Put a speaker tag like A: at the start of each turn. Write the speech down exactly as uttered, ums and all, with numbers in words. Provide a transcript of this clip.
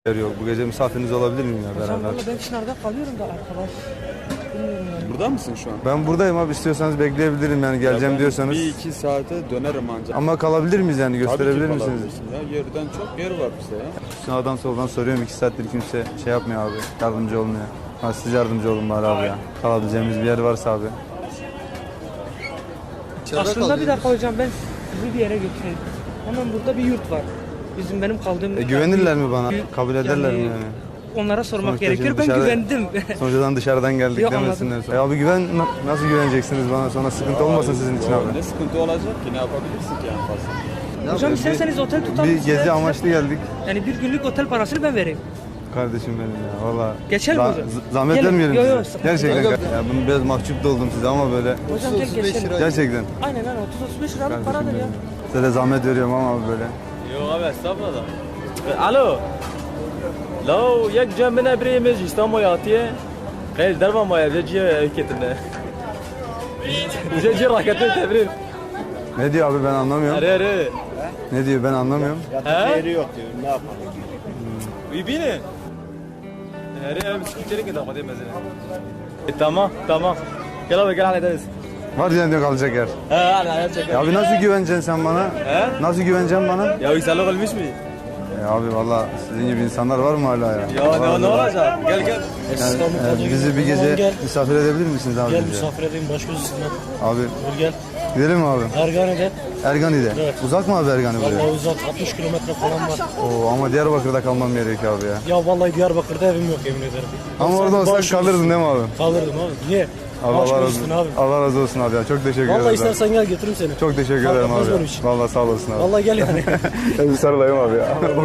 A: Yok. Bu gece misafiriniz olabilir miyim ya
B: Hocam
A: beraber?
B: valla ben Çınar'da kalıyorum da arkadaş. Bilmiyorum yani.
C: Burada mısın şu an?
A: Ben buradayım abi, istiyorsanız bekleyebilirim yani, geleceğim
C: Ya ben
A: diyorsanız.
C: Bir iki saate dönerim ancak.
A: Ama kalabilir miyiz yani, gösterebilir
C: Tabii ki
A: misiniz?
C: kalabilirsin ya. Yerden çok yer var bize ya.
A: Sağdan soldan soruyorum, iki saattir kimse şey yapmıyor abi, yardımcı olmuyor. Ha, siz yardımcı olun bari abi ya. Kalabileceğimiz bir yer varsa abi.
B: Aslında bir dakika hocam, ben sizi bir yere götüreyim. Hemen burada bir yurt var. Bizim benim kaldığım...
A: E, güvenirler mi bana?
B: Büyük-
A: Kabul ederler mi
B: yani
A: yani?
B: Onlara sormak
A: Sonuçta
B: gerekiyor.
A: şimdi
B: Ben
A: dışarı-
B: güvendim.
A: Sonuçtan dışarıdan geldik
B: Yok,
A: demesinler. E abi güven, na- nasıl güveneceksiniz bana, sonra sıkıntı olmasın sizin için
C: Ya
A: abi.
C: Ne sıkıntı olacak ki? Ne yapabilirsin ki en fazla?
B: Hocam
A: bir-
B: isterseniz otel tutalım.
A: Bir
B: size-
A: gezi
B: size-
A: amaçlı geldik.
B: Yani bir günlük otel parasını ben vereyim.
A: Kardeşim benim ya valla.
B: Geçer mi
A: Za-
B: hocam?
A: z- Zahmet
B: Gelin.
A: vermeyelim
B: Yo, yo,
A: size.
B: sıkıntı
A: Gerçekten.
B: yok.
A: Ya bunu biraz mahcup da oldum size ama böyle.
B: Hocam gel geçelim.
A: Gerçekten.
B: Aynen aynen otuz otuz beş liralık
A: Kardeşim
B: paradır ya.
A: benim. Size de zahmet veriyorum ama abi böyle.
D: Yok abi estağfurullah. Alo. Lo یک جمع نبری میز جستا مویاتیه خیلی در ما مویات جی کتنه جی جی راکتن تبریر
A: Ne diyor abi, ben anlamıyorum.
D: اره اره
A: Ne diyor ben anlamıyorum.
D: ها
C: Yeri yok diyor. Ne yapalım?
D: ببینه اره اره بسکیتری که داماده مزنه tamam tamam gel abi gel hallederiz.
A: Var yani diyor kalacak yer.
D: Ha hallederiz.
A: Ya abi nasıl güveneceksin sen bana?
D: He?
A: Nasıl güveneceksin bana?
D: Ya yükselme olmuş mu?
A: Ya abi valla sizin gibi insanlar var mı hala ya?
D: Ya ne, ne olacak? Gel gel.
A: Yani, yani bizi bir gece misafir edebilir misiniz abi?
E: Gel
A: bize?
E: misafir edeyim baş göz üstüne.
A: Abi
E: Dur gel.
A: gidelim mi abi?
E: Ergane'de.
A: Ergani'de.
E: Evet.
A: Uzak mı abi Ergani buraya?
E: Vallahi uzak altmış kilometre falan var.
A: Oo, ama Diyarbakır'da kalmam gerekiyor abi ya.
E: Ya vallahi Diyarbakır'da evim yok yemin ederim.
A: Ama
E: Sen
A: orada olsak
E: baş
A: kalırdın
E: göz-
A: değil mi abi?
E: Kalırdım abi. Niye?
A: Abi
E: Baş
A: Allah
E: göz
A: razı,
E: üstüne abi.
A: Allah razı olsun abi ya. Çok teşekkür
E: Vallahi
A: ederim.
E: istersen gel götürürüm seni.
A: Çok teşekkür
E: Fark
A: ederim
E: etmez
A: abi.
E: benim için.
A: Vallahi sağ olasın abi.
E: Vallahi gel yani.
A: Bir sarılayım abi ya.